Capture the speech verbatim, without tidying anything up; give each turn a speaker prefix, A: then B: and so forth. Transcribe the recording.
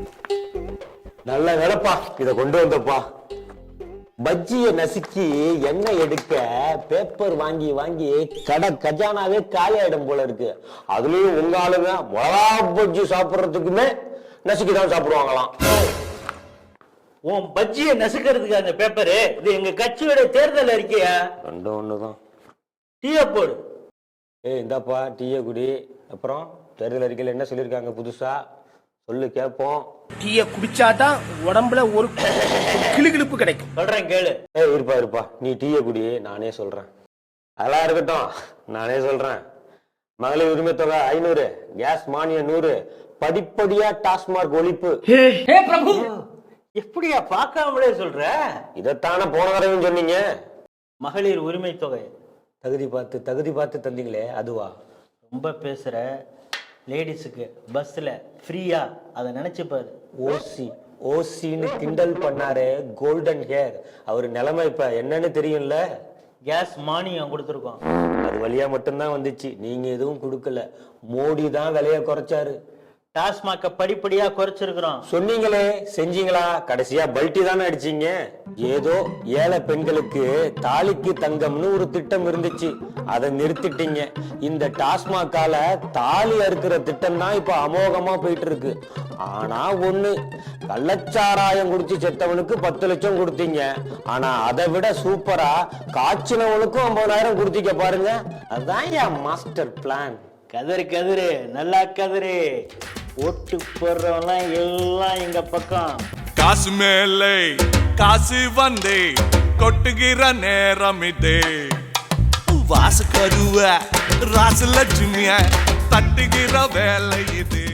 A: நல்ல வேலைப்பா இத கொண்டு வந்தப்பா. பஜ்ஜிய நசுக்கி எண்ணெய் எடுக்க பேப்பர் வாங்கி வாங்கி கடை கஜானாவே காலியாயிடும் போல இருக்கு. அதுலயும் உங்க ஆளுங்க மிளகா பஜ்ஜி சாப்பிடுறதுக்குமே நசுக்கிதான் சாப்பிடுவாங்களாம்.
B: உன் பஜ்ஜிய நசுக்கிறதுக்கு அந்த பேப்பரு இது எங்க கட்சியோட தேர்தல் அறிக்கையா?
A: ரெண்டு ஒண்ணுதான்.
B: டீய போடு.
A: ஏய் இந்தாப்பா டீய குடி. அப்புறம் தேர்தல் அறிக்கையில என்ன சொல்லியிருக்காங்க புதுசா சொல்லு கேட்போம்.
C: டீய குடிச்சாதான் உடம்புல ஒரு கிளுகிழுப்பு கிடைக்கும்.
B: சொல்றேன் கேளு.
A: ஏய் இருப்பா இருப்பா நீ டீய குடி, நானே சொல்றேன். அதெல்லாம் இருக்கட்டும், நானே சொல்றேன். மகளிர் உரிமை தொகை ஐநூறு, கேஸ் மானியம் நூறு, படிப்படியா டாஸ்மார்க் ஒழிப்பு.
B: எப்படியா பார்க்காமலே சொல்ற?
A: இதைத்தானே போன தடவையும் சொன்னீங்க.
B: மகளிர் உரிமை தொகை
A: தகுதி பார்த்து தகுதி பார்த்து தந்தீங்களே அதுவா?
B: ரொம்ப பேசுற. லேடிஸுக்கு பஸ்ல ஃப்ரீயா அதை நினைச்சு பாரு.
A: ஓசி ஓசின்னு கிண்டல் பண்ணாரு கோல்டன் ஹேர். அவரு நிலைமை இப்ப என்னன்னு தெரியும்ல.
B: கேஸ் மானியம் கொடுத்துருக்கோம்.
A: அது வழியா மட்டும்தான் வந்துச்சு, நீங்க எதுவும் கொடுக்கல. மோடி தான் விலைய குறைச்சாரு.
B: டாஸ்மாக படிப்படியா குறைச்சிருக்கிறோம்.
A: சொன்னீங்களே, செஞ்சீங்களா? கடைசியா பல்ட்டி தானே அடிச்சீங்க. ஏதோ ஏழை பெண்களுக்கு தாலிக்கு தங்கம்னு ஒரு திட்டம் இருந்துச்சு, அதை நிறுத்திட்டீங்க. இந்த டாஸ்மாகால தாலி அறுக்கிற திட்டம் தான் இப்ப அமோகமா போயிட்டு இருக்கு. ஆனா ஒண்ணு, கள்ளச்சாராயம் குடிச்சு செத்தவனுக்கு பத்து லட்சம் கொடுத்தீங்க. ஆனா அதை விட சூப்பரா காய்ச்சினவனுக்கும் ஐம்பதாயிரம் கொடுத்தீங்க பாருங்க. அதுதான் என் மாஸ்டர் பிளான்.
B: கதிரு கதிரு நல்லா கதிரு. ஓட்டு போடுறவெல்லாம் எல்லாம் எங்க பக்கம்.
D: காசு மேலே காசு வந்தே கொட்டுகிற நேரம் இதே. வாசு கருவ ராசு லட்சுமிய தட்டுகிற வேலை இது.